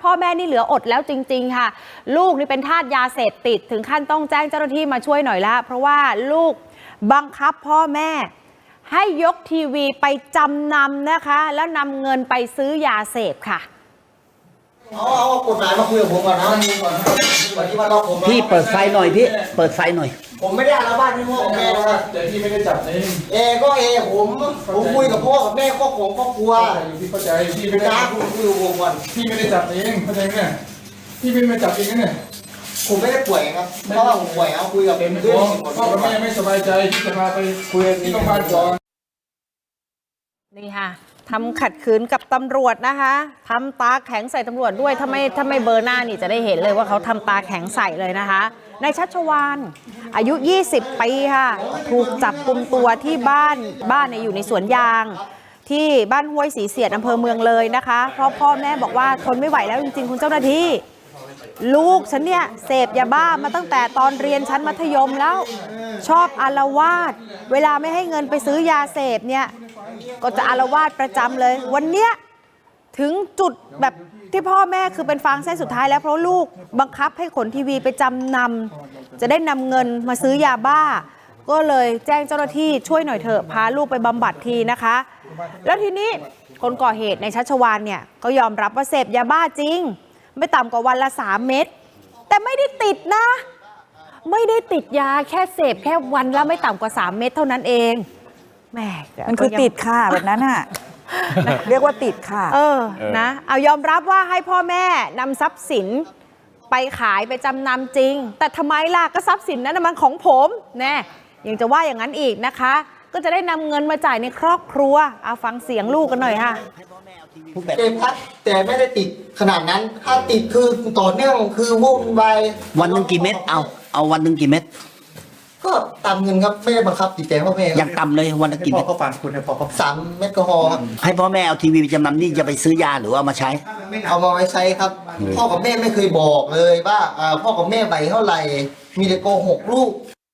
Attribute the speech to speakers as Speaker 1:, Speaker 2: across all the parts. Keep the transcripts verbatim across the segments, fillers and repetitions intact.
Speaker 1: พ่อแม่นี่เหลืออดแล้วจริงๆค่ะลูกนี่เป็นทาสยาเสพติดถึงขั้นต้องแจ้งเจ้าหน้าที่มาช่วยหน่อยละเพราะว่าลูกบังคับพ่อแม่ให้ยกทีวีไปจำนำนะคะแล้วนำเงินไปซื้อยาเสพค่ะ
Speaker 2: เอาเอากฎหมายมาคุยกับผมก่อนนะ
Speaker 3: พี่เปิดไฟหน่อยพี่เปิดไฟหน่อย
Speaker 2: ผมไม่ได้อาละวาดที่พ่อกับแม่นะครับ
Speaker 4: แต่พี่ไม่ได้จับเอง
Speaker 2: เอก็เอผมผมคุยกับพ่อกับแม่ครอบครัวครอบครัว
Speaker 4: พี่เข้าใจพี่ไม่ได้
Speaker 2: คุยคุยกับผมก่อน
Speaker 4: พี่ไม่ได้จับเองเข้าใจไหมพี่ไม่ได้จับเองเนี่ย
Speaker 2: ผมไม่ได้ป่วยครับเพราะว่าผมป่วยเอาคุยกับเพื่อน
Speaker 4: พ่อกับแม่ไม่สบายใจที่จะพาไปคุยที่โรงพยาบาลก่อน
Speaker 1: นี่ค่ะทำขัดขืนกับตำรวจนะคะทำตาแข็งใส่ตำรวจด้วยถ้าไม่ถ้าไม่เบอร์หน้านี่จะได้เห็นเลยว่าเขาทำตาแข็งใส่เลยนะคะนายชัชวาลอายุยี่สิบปีค่ะถูกจับกุมตัวที่บ้านบ้านเนี่ยอยู่ในสวนยางที่บ้านห้วยศรีเสียดอำเภอเมืองเลยนะคะเพราะพ่อแม่บอกว่าทนไม่ไหวแล้วจริงๆคุณเจ้าหน้าที่ลูกฉันเนี่ยเสพยาบ้ามาตั้งแต่ตอนเรียนชั้นมัธยมแล้วชอบอาละวาดเวลาไม่ให้เงินไปซื้อยาเสพเนี่ยก็จะอาละวาดประจำเลยวันเนี้ยถึงจุดแบบที่พ่อแม่คือเป็นฟางเส้นสุดท้ายแล้วเพราะลูกบังคับให้ขนทีวีไปจำนำจะได้นำเงินมาซื้อยาบ้าก็เลยแจ้งเจ้าหน้าที่ช่วยหน่อยเถอะพาลูกไปบำบัดทีนะคะแล้วทีนี้คนก่อเหตุในชัชวาลเนี่ยก็ยอมรับว่าเสพยาบ้าจริงไม่ต่ำกว่าวันละสามเม็ดแต่ไม่ได้ติดนะไม่ได้ติดยาแค่เสพแค่วันละไม่ต่ำกว่าสามเม็ดเท่านั้นเองแหม
Speaker 5: มันคือติดค่ะแบบนั้นน่ะเรียกว่าติดค่ะ
Speaker 1: เออนะเอายอมรับว่าให้พ่อแม่นำทรัพย์สินไปขายไปจำนำจริงแต่ทำไมล่ะก็ทรัพย์สินนั้นมันของผมแน่ยังจะว่าอย่างนั้นอีกนะคะก็จะได้นำเงินมาจ่ายในครอบครัวเอาฟังเสียงลูกกันหน่อยค่ะ
Speaker 2: เกมพัดแต่ไม่ได้ติดขนาดนั้นถ้าติดคือต่อเนื่องคือวุ่นวาย
Speaker 3: วันหนึ่งกี่เม็ดเอาเอาวันหนึ่งกี่เม็ด
Speaker 2: ก็ตามเงินครับไม่ได้บังคับติดใจพ่อแม่
Speaker 3: ยังต่ำเลยวันละกี่เม็ด
Speaker 2: พ่อฟังคุณให้พ่อสามเม็ดก็พอครับ
Speaker 3: ให้พ่อแม่เอาทีวีไปจำนำนี่จะไปซื้อยาหรือเอามาใช้
Speaker 2: เอามาไว้ใช้ครับพ่อกับแม่ไม่เคยบอกเลยว่าพ่อกับแม่ใบเท่าไหร่มีแต่โกหกลูก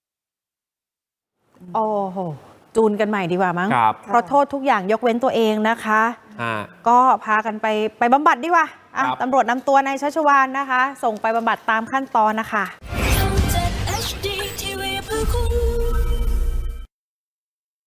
Speaker 1: โอ้โหจูนกันใหม่ดีกว่ามั้งเพราะโทษทุกอย่างยกเว้นตัวเองนะคะก็พากันไปไปบำบัดดีกว่าตำรวจนำตัวนายชัชวาลนะคะส่งไปบำบัดตามขั้นตอนนะคะ